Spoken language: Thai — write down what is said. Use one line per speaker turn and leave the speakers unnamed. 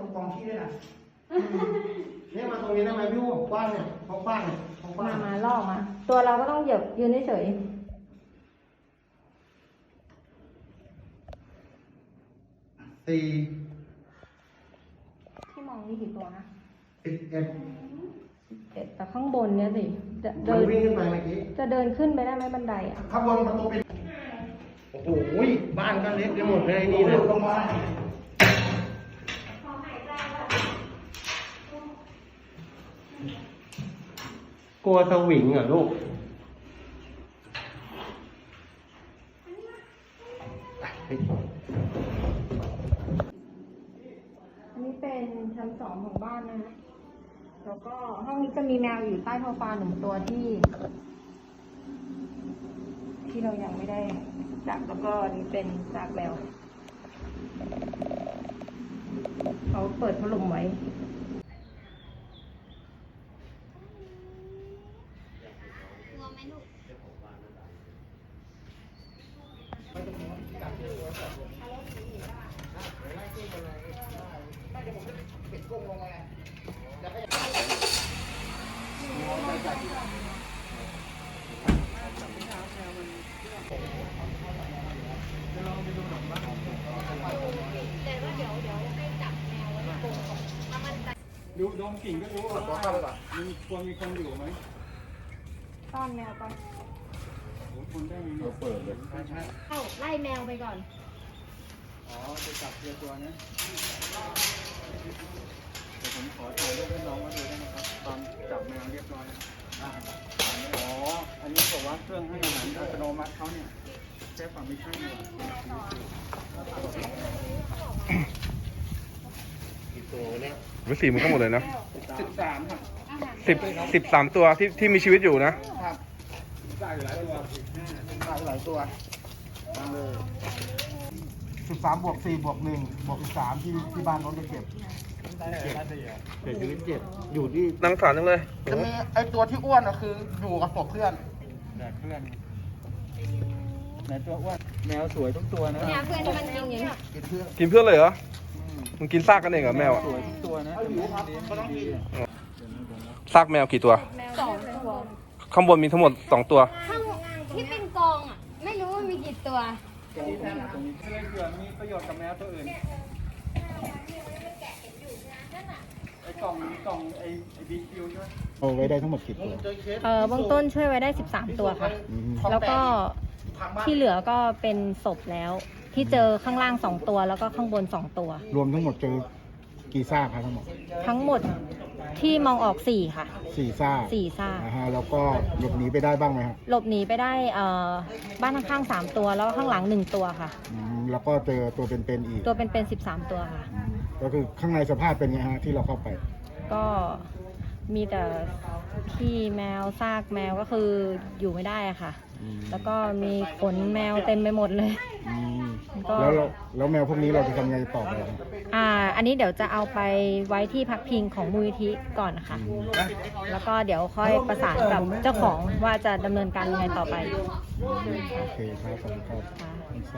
กองขี้ด้วยนะเนี่ยมาตรงนี้ได้ไหมพี่วูกว้างเนี่ยกว้างเนี่ยกว้าง
มาล่อมาตัวเราก็ต้องเหยียบยืนเฉย
4
ที่มองนี่กี่ตัวนะ
11
แต่ข้างบนเนี่ยสิจะเดิน
วิ่งขึ้นไปเมื่อกี้
จะเดินขึ้นไปได้ไหมบันไดอ่ะ
ข้างบนประตูเป็นโอ้โหบ้านก็เล็กไปหมดเลยนี่นะลงมากลัวสวิงเหรอลูก
อันนี้เป็นชั้น2ของบ้านนะแล้วก็ห้องนี้จะมีแมวอยู่ใต้โซฟา1ตัวที่เรายังไม่ได้จับแล้วก็นี่เป็นซากแมวเขาเปิดพัดลมไว้
ดูดมกลิ่นก็รู้ว่ามีคนอยู่ไหม
ต้อนแมวไป
คนได้มีเปิดเลยใช่
ไล่แมวไปก่อน
อ๋อจะจับตัวนะเดี๋ยวผมขอถ่ายรูปให้น้องมาดูได้ไหมครับตอนจับแมวเรียบร้อยอ๋ออันนี้บอกว่าเครื่องให้อาหารอัตโนมัติเขาเนี่ยแค่ฝั่งไม่ใช่หรอ
กี่ตัวเนี่ย
เป็น4มันทั้งหมดเลยนะ
13ครับ
13ตัวที่มีชีวิตอยู่นะ
ครัได้หลายตัวได้หลายตัวตั้งเลย
13 บวก 4 บวก 1 บวก 13ที่บ้านเขาจะเก็บเสียชีวิต7อยู่ที่
นั่งสารจังเลย
จะมีไอตัวที่อ้วนคืออยู่กับศพเพื่อน
แดกเพื่อนแมวตัวอ้วนแมวสวยทุกตัวนะ
เนี่ยเพื่อนที่มันกินอย่างนี้
กินเพื่อนเลยเหรอมันกินซากกันเองเหรอแมวอ่ะ
สวยทุกตัวนะ
เขาต้องกิน
ซากแมวกี่ตัว
2 ตัว
ข้างบนมีทั้งหมด2ตัว
ที่เป็นกองอ่ะไม่รู้ว่ามีกี่ตัว
ตรงนี้เผื่อมีประโยชน์กับแมวตัวอื่นไอ้กล่องไอ้บีคิวใช่ไหม
เอาไว้ได้ทั้งหมดกี่ตัว
เบื้องต้นช่วยไว้ได้13ตัวค่ะแล้วก็ที่เหลือก็เป็นศพแล้วที่เจอข้างล่าง2ตัวแล้วก็ข้างบน2ตัว
รวมทั้งหมดเจอกี่ซากครับ
ทั้งหมดที่มองออก4ค่ะ
4 ซากแล้วก็หลบหนีไปได้บ้างไหมครับ
หลบหนีไปได้บ้านข้างๆ3ตัวแล้วข้างหลัง1ตัวค่ะ
แล้วก็เจอตัวเป็นๆอีก
ตัวเป็น13ตัวค่ะ
ก็คือข้างในสภาพเป็นไงฮะที่เราเข้าไป
ก็มีแต่ขี้แมวซากแมวก็คืออยู่ไม่ได้อะค่ะแล้วก็มีขนแมวเต็มไปหมดเลย
แล้วแมวพวกนี้เราจะทำไงต่อไป
อันนี้เดี๋ยวจะเอาไปไว้ที่พักพิงของมูลนิธิก่อนนะคะแล้วก็เดี๋ยวค่อยประสานกับเจ้าของว่าจะดำเนินการยังไงต่อไป
โอเคครับขอบคุณครับ